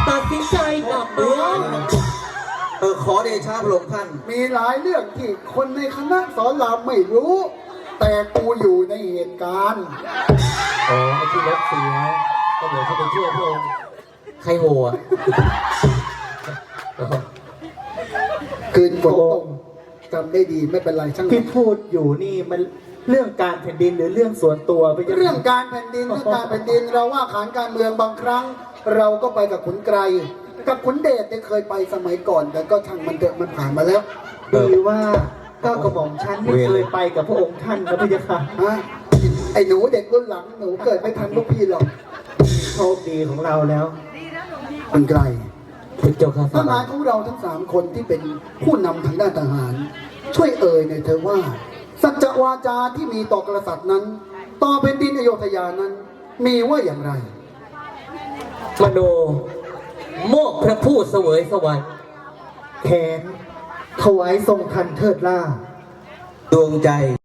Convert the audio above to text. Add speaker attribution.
Speaker 1: ตัดสินใจกลับเมือง
Speaker 2: ขอเดชะพระองค์ท่าน
Speaker 3: มีหลายเรื่องที่คนในคณะสอนรามไม่รู้ แต่กูอยู่ในเหตุการณ์
Speaker 1: อ๋อไอ้ที่รถเสียก็เดี๋ยวจะไปช่วยพระองค์ใครโหอ่ะ
Speaker 3: คืนฝนตกจำได้ดีไม่เป็นไรช่าง
Speaker 4: ที่พูดอยู่นี่มันเรื่องการแผ่นดินหรือเรื่องส่วนตัวไป
Speaker 3: เรื่องการแผ่นดินเราว่าขานการเมืองบางครั้ง เราก็ไปกับขุนไกรกับขุนเดชเนี่ยเคยไปสมัยก่อน แต่ก็ช่างมันเถอะมันผ่านมาแล้ว
Speaker 4: ดีว่าก้าวกระหม่อมฉันไม่เคยไปกับพระองค์ท่านนะพระยาค่ะ
Speaker 3: ฮะไอ้หนูเด็กรุ่นหลังหนูเกิดไม่ทันลูกพี่หรอก
Speaker 4: โชคดีของเราแล้ว
Speaker 3: ขุนไกร
Speaker 1: เป็นเจ้าข้า
Speaker 3: ทหารของเราทั้ง3คนที่เป็นผู้นำทางด้านทหาร ช่วยเอ่ยหน่อยเธอว่า สัจวาจาที่มีต่อกษัตริย์นั้น ต่อแผ่นดินอโยธยานั้น มีว่าอย่างไร
Speaker 1: มโนโมกพระผู้เสวยสวรรค์
Speaker 4: แขนถวายทรงทันเทิดล่า
Speaker 2: ดวงใจ